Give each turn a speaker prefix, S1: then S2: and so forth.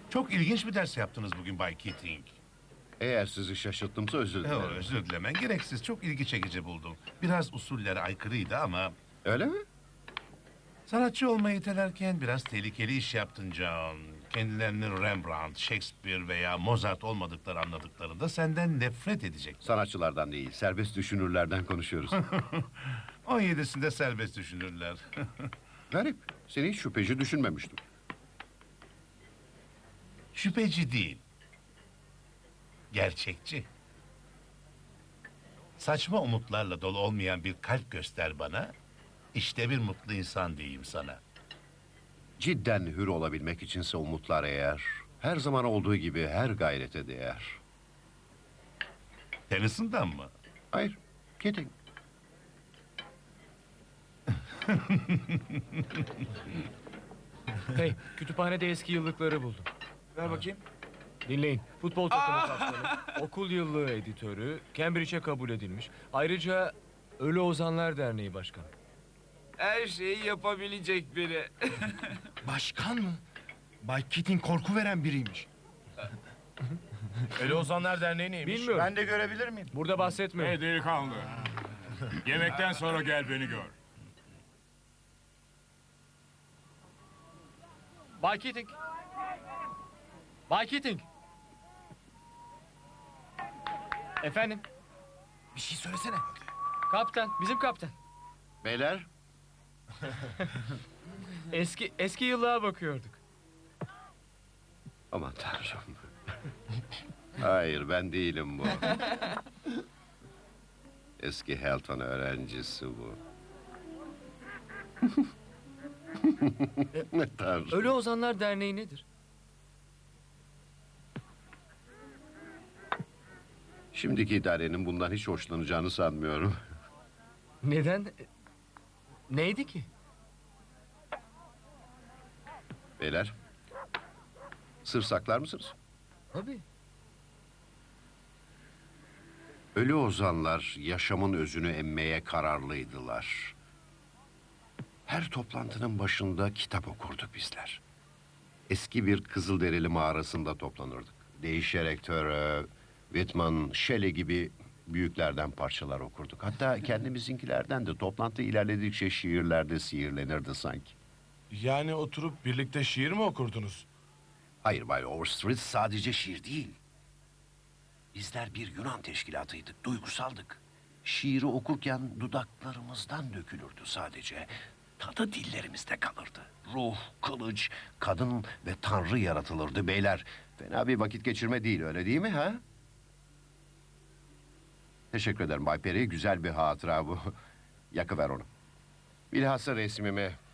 S1: Çok ilginç bir ders yaptınız bugün Bay Keating.
S2: Eğer sizi şaşırttımsa özür dilerim.
S1: Özür dilemen gereksiz. Çok ilgi çekici buldum. Biraz usullere aykırıydı ama...
S2: Öyle mi?
S1: Sanatçı olmayı itelerken biraz tehlikeli iş yaptın John. Kendilerini Rembrandt, Shakespeare veya Mozart olmadıkları anladıklarında senden nefret edecek.
S2: Sanatçılardan değil, serbest düşünürlerden konuşuyoruz.
S1: 17'sinde serbest düşünürler.
S2: Garip. Seni hiç şüpheci düşünmemiştim.
S1: Şüpheci değil. Gerçekçi. Saçma umutlarla dolu olmayan bir kalp göster bana. İşte bir mutlu insan diyeyim sana.
S2: Cidden hür olabilmek içinse umutlar eğer, her zaman olduğu gibi her gayrete değer.
S1: Tennyson'dan mı?
S2: Hayır, Keating.
S3: Hey, kütüphanede eski yıllıkları buldum.
S4: Ver bakayım.
S3: Dinleyin. Futbol takımı kaptanı, okul yıllığı editörü, Cambridge'e kabul edilmiş. Ayrıca Ölü Ozanlar Derneği başkanı.
S4: Her şeyi yapabilecek biri.
S5: Başkan mı? Bay Keating korku veren biriymiş.
S6: Ölü Ozanlar Derneği neymiş?
S3: Bilmiyorum.
S5: Ben de görebilir miyim?
S3: Burada bahsetmiyorum.
S7: Hey delikanlı. Yemekten sonra gel beni gör.
S3: Bay Keating. Bay Keating. Efendim,
S5: Bir şey söylesene.
S3: kaptan, bizim kaptan.
S2: Beyler,
S3: Eski yıllığa bakıyorduk.
S2: aman tanrım. Hayır, ben değilim bu. Eski Helton öğrencisi bu. Ne tanrım.
S3: Ölü Ozanlar Derneği nedir?
S2: Şimdiki idarenin bundan hiç hoşlanacağını sanmıyorum.
S3: Neden? Neydi ki?
S2: Beyler, sır saklar mısınız?
S3: Tabii.
S2: Ölü ozanlar yaşamın özünü emmeye kararlıydılar. Her toplantının başında kitap okurduk bizler. Eski bir Kızılderili mağarasında toplanırdık. Değişerek Thoreau, Whitman, Shelley gibi büyüklerden parçalar okurduk. Hatta kendimizinkilerden de toplantı ilerledikçe şiirlerde sihirlenirdi sanki.
S6: Yani oturup birlikte şiir mi okurdunuz?
S2: Hayır Bay Overstreet, sadece şiir değil. Bizler bir Yunan teşkilatıydık, duygusaldık. Şiiri okurken dudaklarımızdan dökülürdü sadece. Tadı dillerimizde kalırdı. Ruh, kılıç, kadın ve tanrı yaratılırdı beyler. Fena bir vakit geçirme değil, öyle değil mi ha? Teşekkür ederim Bay Perry, güzel bir hatıra bu. Yakıver onu. Bilhassa resmimi.